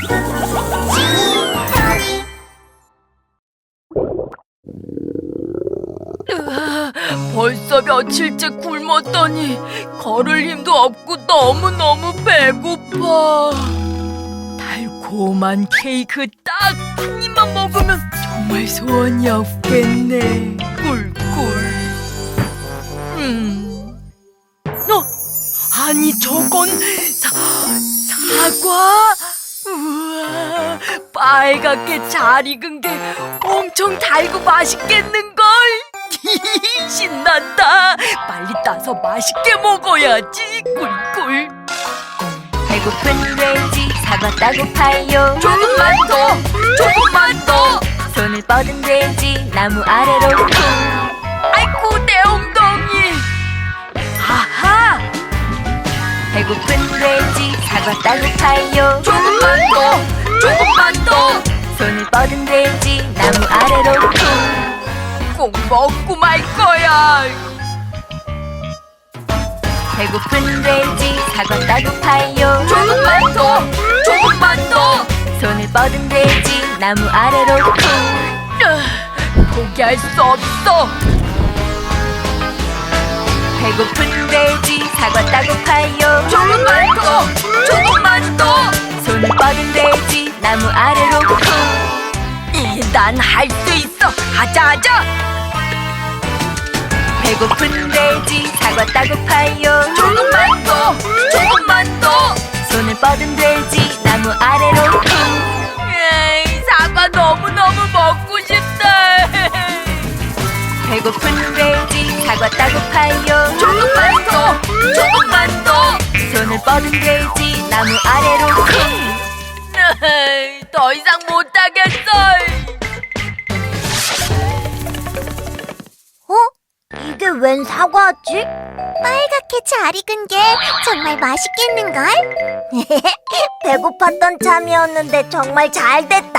벌써 며칠째 굶었더니 걸을 힘도 없고 너무너무 배고파. 달콤한 케이크 딱 한 입만 먹으면 정말 소원이 없겠네. 꿀꿀. 아니 저건 사과? 우와, 빨갛게 잘 익은 게 엄청 달고 맛있겠는걸? 신난다. 빨리 따서 맛있게 먹어야지. 꿀꿀. 배고픈 돼지 사과 따고 파요. 조금만 더. 손을 뻗은 돼지 나무 아래로 쿵. 아이고 내 엉덩이. 아하. 배고픈 돼지 사과 따고 파요. 조금만 더. 손을 뻗은 돼지 나무 아래로 쿵. 꼭 먹고 말 거야. 배고픈 돼지 사과 따고 파요. 조금만 더. 손을 뻗은 돼지 나무 아래로 쿵. 포기할 수 없어. 배고픈 돼지 사과 따고 파요. 조금만 더. 손을 뻗은 돼지 나무 아래로 쿵. 난 할 수 있어. 하자. 배고픈 돼지 사과 따고 파요. 조금만 더. 손을 뻗은 돼지 나무 아래로 쿵. 에이, 사과 너무너무 먹고 싶다. 배고픈 돼지 사과 따고 파요. 조금만 더. 손을 뻗은 돼지 나무 아래로 쿵. 더 이상 못하겠어. 이게 웬 사과지? 빨갛게 잘 익은 게 정말 맛있겠는걸? 배고팠던 참이었는데 정말 잘 됐다.